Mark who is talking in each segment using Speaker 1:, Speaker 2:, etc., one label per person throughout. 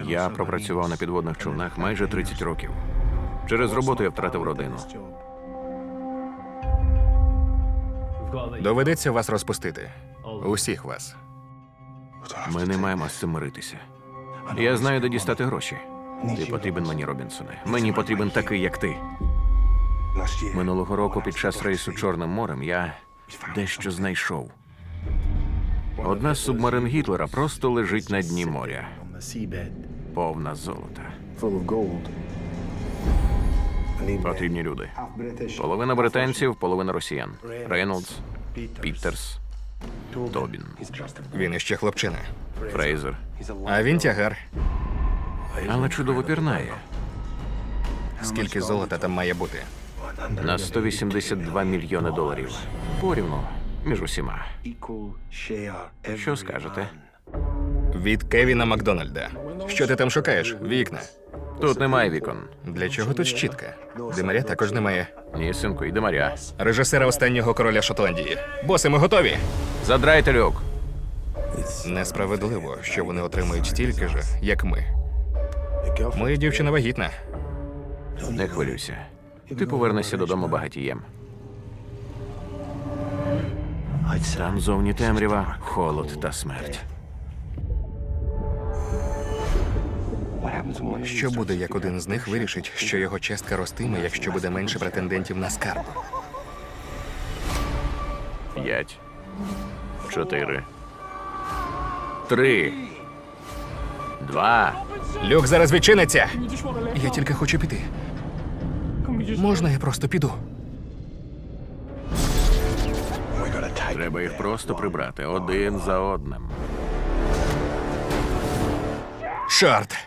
Speaker 1: Я пропрацював на підводних човнах майже 30 років. Через роботу я втратив родину.
Speaker 2: Доведеться вас розпустити. Усіх вас.
Speaker 1: Ми не маємо з цим миритися. Я знаю, де дістати гроші. Ти потрібен мені, Робінсоне. Мені потрібен такий, як ти. Минулого року під час рейсу Чорним морем я дещо знайшов. Одна з субмарин Гітлера просто лежить на дні моря. Повна золота. Потрібні люди. Половина британців, половина росіян. Рейнолдс, Пітерс, Тобін,
Speaker 2: Він іще хлопчина.
Speaker 1: Фрейзер.
Speaker 2: А він тягар.
Speaker 1: Але чудово пірнає.
Speaker 2: Скільки золота там має бути?
Speaker 1: На 182 мільйони доларів. Порівну між усіма. Що скажете?
Speaker 2: Від Кевіна Макдональда. Що ти там шукаєш? Вікна.
Speaker 1: Тут немає вікон.
Speaker 2: Для чого тут щітка? Димаря також немає.
Speaker 1: Ні, синку, йди моря.
Speaker 2: Режисера останнього короля Шотландії. Боси, ми готові.
Speaker 1: Задрайте люк.
Speaker 2: Несправедливо, що вони отримують стільки ж, як ми. Моя дівчина вагітна.
Speaker 1: Не хвилюйся. Ти повернешся додому багатієм. Там зовні темрява, холод та смерть.
Speaker 2: Що буде, як один з них вирішить, що його частка ростиме, якщо буде менше претендентів на скарб?
Speaker 1: 5, 4, 3, 2.
Speaker 2: Люк зараз відчиниться! Я тільки хочу піти. Можна я просто піду?
Speaker 1: Треба їх просто прибрати один за одним.
Speaker 2: Чорт!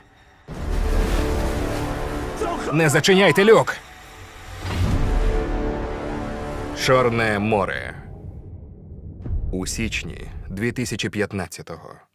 Speaker 2: Не зачиняйте люк! Чорне море. У січні 2015-го.